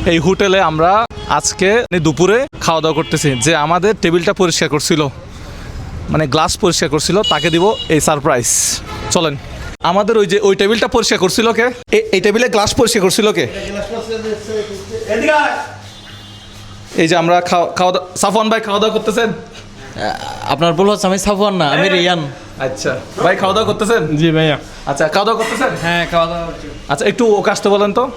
এই হোটেলে আমরা আজকে দুপুরে খাওয়া দাওয়া করতেছি। যে আমাদের টেবিলটা পরিষ্কার করছিল, মানে গ্লাস পরিষ্কার করছিল, তাকে দিব এই সারপ্রাইজ। চলেন, আমাদের ওই টেবিলটা পরিষ্কার করছিল কে? এই টেবিলে গ্লাস পরিষ্কার করছিল কে? এই যে আমরা খাওয়া দাওয়া, সাফওয়ান ভাই খাওয়া দাওয়া করতেছেন? আপনার বল হচ্ছে আমি সাফওয়ান না, আমি রিয়ান। আচ্ছা ভাই, খাওয়া দাওয়া করতেছেন? জি ভাইয়া। আচ্ছা, খাওয়া দাওয়া করতেছেন? হ্যাঁ, খাওয়া দাওয়া। আচ্ছা, একটু ওকে আসতে বলেন তো।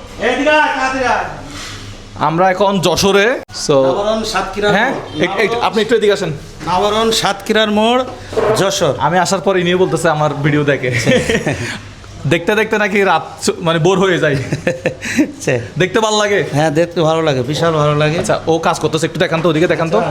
আমরা এখন যশোরে, সো হ্যাঁ আপনি একটু এদিকে আসেন। নাবরণ সাতক্ষীরার মোড়, যশোর। আমি আসার পর ইনিও বলতেছে আমার ভিডিও দেখে। দেখতে দেখতে নাকি রাত মানে বোর হয়ে যায়। দেখতে ভালো লাগে? হ্যাঁ, দেখতে ভালো লাগে, বিশাল ভালো লাগে। আচ্ছা, ও কাজ করতেছে, একটু দেখান তো, ওদিকে দেখান তো।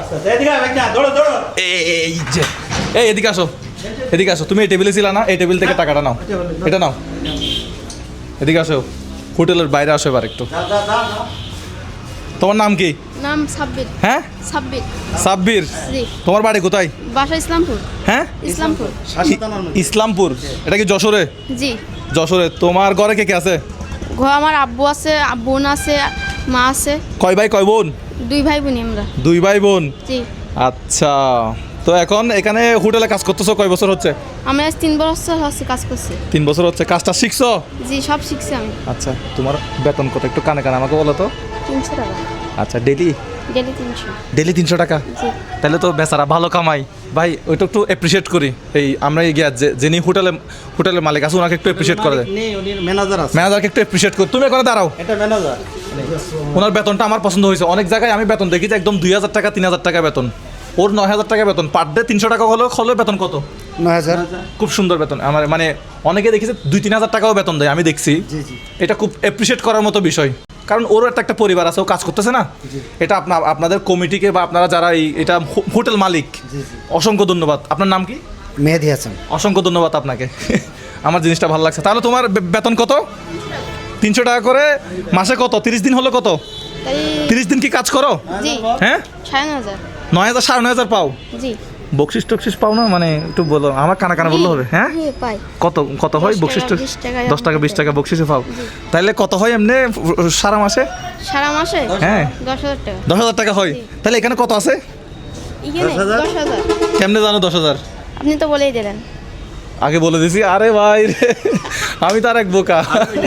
এই যে, এদিকে আসো, এদিকে আসো। তুমি এই টেবিলে ছিল না? এই টেবিল থেকে টাকাটা নাও, এটা নাও। এদিকে আসো, হোটেলের বাইরে আসো এবার একটু। তোমার নাম কি? নাম সাব্বির। হ্যাঁ, সাব্বির। সাব্বির। জি। তোমার বাড়ি কোথায়? বাসা ইসলামপুর। হ্যাঁ, ইসলামপুর। ইসলামপুর। এটা কি যশোরে? জি। যশোরে। তোমার ঘরে কে কে আছে? ঘর আমার আব্বু আছে, বোন আছে, মা আছে। কয় ভাই কয় বোন? 2 ভাই বোন আমরা। 2 ভাই বোন। জি। আচ্ছা, তো এখন এখানে হোটেলে কাজ করতেছো কয় বছর হচ্ছে? আমি আজ 3 বছর হচ্ছে কাজ করছি। 3 বছর হচ্ছে। কাজটা শিখছো? জি, সব শিখছি আমি। আচ্ছা, তোমার বেতন কত একটু কানে কানে আমাকে বলো তো। 300 টাকা। আচ্ছা, ডেলি? ডেলি 300। ডেলি 300 টাকা? জি। তাহলে তো বেচারা ভালো কামাই। ভাই ওইটা একটু অ্যাপ্রিসিয়েট করি। এই আমরা গিয়া যিনি হোটেলের মালিক আছে ওনাকে একটু অ্যাপ্রিসিয়েট করে দেয়। ম্যানেজার আছে, ম্যানেজারকে একটু অ্যাপ্রিসিয়েট করি। তুমি এখানে দাঁড়াও। এটা ম্যানেজার। ওনার বেতনটা আমার পছন্দ হয়েছে। অনেক জায়গায় আমি বেতন দেখি যে একদম 2000 টাকা 3000 টাকা বেতন, ওর 9000 টাকা বেতন। পার ডে 300 টাকা হলেও বেতন কত? 9000। খুব সুন্দর বেতন। আমার মানে অনেকে দেখেছে 2-3 হাজার টাকাও বেতন দেয়, আমি দেখছি। এটা খুব অ্যাপ্রিসিয়েট করার মতো বিষয়, কারণ ওরও একটা পরিবার আছে, ও কাজ করতেছে না। এটা আপনাদের কমিটিকে বা আপনারা যারা এটা হোটেল মালিক, অসংখ্য ধন্যবাদ। আপনার নাম কি? মেহেদি হাসান। অসংখ্য ধন্যবাদ আপনাকে। আমার জিনিসটা ভালো লাগছে। তাহলে তোমার বেতন কত? 300 টাকা করে মাসে। কত 30 দিন হলো? কত তাই 30 দিন কি কাজ করো? জি। হ্যাঁ, 9500। 9000 9.5 পাও? জি। বকশিস টকশিস পাও না? মানে একটু বলো, আমার কানা বললে হবে। হ্যাঁ, পাই। কত হয় 10 বকশিস? টাকা, 20 টাকা, 10 টাকা 20 টাকা বকশিসে পাও। জি। তাহলে কত হয় এমনি সারা মাসে? সারা মাসে? হ্যাঁ, 10,000 টাকা। 10,000 টাকা হয়। তাহলে এখানে কত আছে? এখানে 10,000। কেমনে জানো 10,000? আপনি তো বলেই দিলেন। আগে বলে দিছি। আরে ভাই রে, আমি তো আর এক বোকা।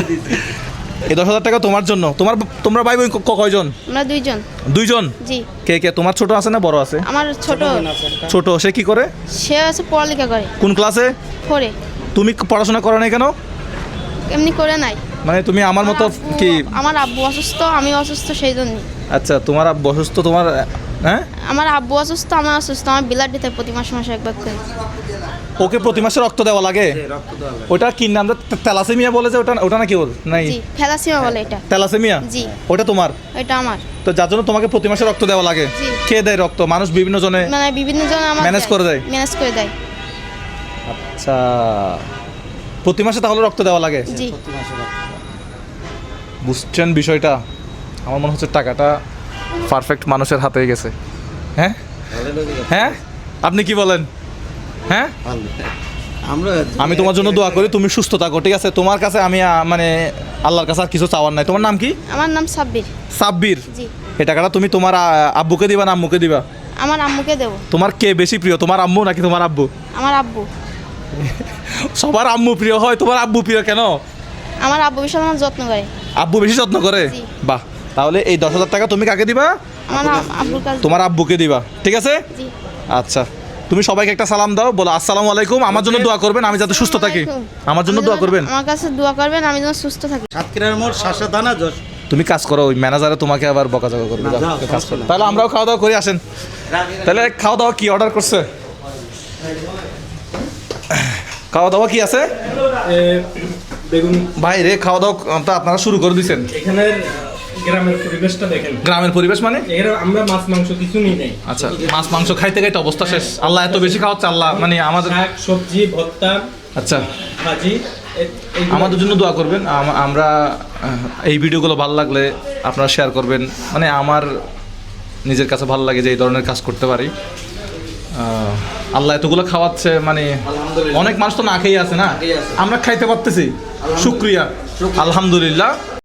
এই 10,000 টাকা তোমার জন্য। তোমরা ভাই বোন কয়জন? আমরা 2 জন। 2 জন? জি। কে কে? তোমার ছোট আছে না বড় আছে? আমার ছোট। ছোট। সে কি করে? সে আছে পড়ালেখা করে। কোন ক্লাসে? 4 এ। তুমি পড়াশোনা করো না কেন? এমনি করে নাই। মানে তুমি আমার মতো কি? আমার আব্বু অসুস্থ, আমি অসুস্থ, সেই জন্য। আচ্ছা, তোমার আব্বু অসুস্থ, তোমার? হ্যাঁ, আমার আব্বু অসুস্থ, আমার অসুস্থ, আমার ব্লাড দিতে প্রতি মাসে একবার করে। ওকে প্রতি মাসে রক্ত দেওয়া লাগে? ওটা কি নাম? থ্যালাসেমিয়া বলে যে, ওটা নাকি ওর? নাই, জি, থ্যালাসেমিয়া বলে এটা। থ্যালাসেমিয়া? জি। ওটা তোমার? এটা আমার। তো যার জন্য তোমাকে প্রতি মাসে রক্ত দেওয়া লাগে? জি। কে দেয় রক্ত? মানুষ বিভিন্ন জনে মানে বিভিন্ন জন আমার ম্যানেজ করে দেয়? ম্যানেজ করে দেয়। আচ্ছা, প্রতি মাসে তাহলে রক্ত দেওয়া লাগে? জি। বুঝছেন বিষয়টা? আমার মনে হচ্ছে টাকাটা পারফেক্ট মানুষের হাতে গেছে। হ্যাঁ, হ্যাঁ, আপনি কি বলেন? হ্যাঁ, আমি তোমার জন্য দোয়া করি, তুমি সুস্থ থাকো, ঠিক আছে? তোমার কাছে আমি মানে আল্লাহর কাছে আর কিছু চাওয়ার নাই। তোমার নাম কি? আমার নাম সাব্বির। সাব্বির। জি। এই টাকাটা তুমি তোমার আব্বুকে দিবা না আম্মুকে দিবা? আমার আম্মুকে দেব। তোমার কে বেশি প্রিয়, তোমার আম্মু নাকি তোমার আব্বু? আমার আব্বু। সবার আম্মু প্রিয় হয়, তোমার আব্বু প্রিয় কেন? আমার আব্বু বিশাল আমার যত্ন করে। আব্বু বেশি যত্ন করে? জি। বাহ, তাহলে এই 10,000 টাকা তুমি কাকে দিবা? আমার আব্বুর কাছে। তোমার আব্বুকে দিবা, ঠিক আছে? জি। আচ্ছা, তুমি সবাইকে একটা সালাম দাও, বলো আসসালামু আলাইকুম, আমার জন্য দোয়া করবেন আমি যাতে সুস্থ থাকি। আমার জন্য দোয়া করবেন। আমার কাছে দোয়া করবেন আমি যেন সুস্থ থাকি। সাতক্ষীরার মোড়, শাসা থানা, যশোর। তুমি কাজ করো, ওই ম্যানেজারে তোমাকে আবার বকাঝকা করবে। যাও, কাজ করো। তাহলে আমরাও খাওয়া দাওয়া করে আসেন। তাহলে খাওয়া দাওয়া কি অর্ডার করছে? খাওয়া দাওয়া কি আছে? বেগুন। ভাই রে, খাওয়া দাওয়া তো আপনারা শুরু করে দিয়েছেন। এখানের গ্রামের পরিবেশটা দেখেন। গ্রামের পরিবেশ মানে? এখানে আমরা মাছ মাংস কিছু নিই নাই। আচ্ছা, মাছ মাংস খাইতে খাইতে অবস্থা শেষ। আল্লাহ এত বেশি খাওয়াচ্ছে, আল্লাহ মানে আমাদের। শাক সবজি ভর্তা। আচ্ছা, ভাজি। আমাদের জন্য দোয়া করবেন। আমরা এই ভিডিওগুলো ভালো লাগলে আপনারা শেয়ার করবেন। মানে আমার নিজের কাছে ভালো লাগে যে এই ধরনের কাজ করতে পারি। আল্লাহ এতগুলো খাওয়াচ্ছে, মানে অনেক মানুষ তো না খেয়ে আছে না, আমরা খাইতে পারতেছি, শুকরিয়া, আলহামদুলিল্লাহ।